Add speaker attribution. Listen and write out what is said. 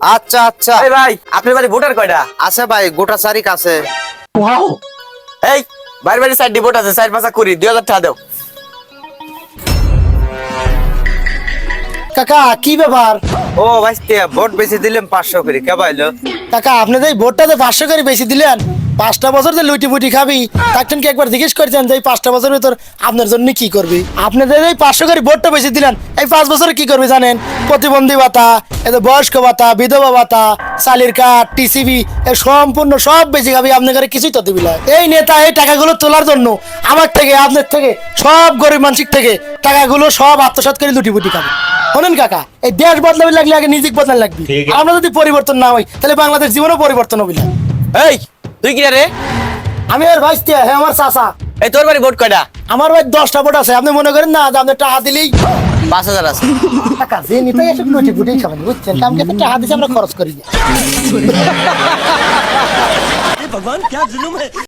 Speaker 1: আচ্ছা আচ্ছা।
Speaker 2: এই ভাই আপনার বাড়ি ভোটার কয়টা?
Speaker 1: আছে ভাই, গোটা চারিক আছে।
Speaker 2: এই বাড়ি বাড়ি সাইড ভোট আছে, সাইড পাঁচা করি 2000 টাকা দাও।
Speaker 3: কাকা কি ব্যাপার?
Speaker 1: ও ভাইস্তে ভোট বেশি দিলাম 500 করে, কে পাইলো?
Speaker 3: কাকা আপনি যে এই ভোটটা যে 500 করে বেশি দিলেন, 5টা বছর যে লুটি পুটি খাবি, তাকে কি একবার জিজ্ঞেস করছেন যে এই 5টা বছরের ভিতর আপনার জন্য কি করবি? আপনি যে এই 500 করে ভোটটা বেশি দিলেন, এই 5 বছরে কি করবি জানেন? প্রতিবন্ধী ভাতা, এই যে বয়স্ক ভাতা, বিধবা ভাতা, চালির কার্ড, টিসিবি, এই সম্পূর্ণ সব বেশি খাবি, আপনার ঘরে কিছুই তো দিবি না। এই নেতা এই টাকাগুলো তোলার জন্য আমার থেকে, আপনার থেকে, সব গরিব মানুষের থেকে টাকাগুলো সব আত্মসাৎ করে লুটি পুটি খাবে। শোনেন কাকা, এই দেশ বদলাবি লাগলে আগে নিজেকে বদলান লাগবে। আমরা যদি পরিবর্তন না হই তাহলে বাংলাদেশ জীবনও পরিবর্তন হবে না।
Speaker 2: এই তুই কি রে?
Speaker 3: আমি আর ভাইস্তে, হ্যাঁ আমার চাচা।
Speaker 2: এই তোর বাড়ি ভোট কয়টা?
Speaker 3: আমার ভাই 10টা ভোট আছে। আপনি মনে করেন না যে আপনি টাকা দিলেই
Speaker 2: 5000 আছে।
Speaker 3: টাকা যে নিতে এসে লুটি পুটি খাবেন, বুঝছেন? কামকে তো টাকা দিছে আমরা খরচ করি না।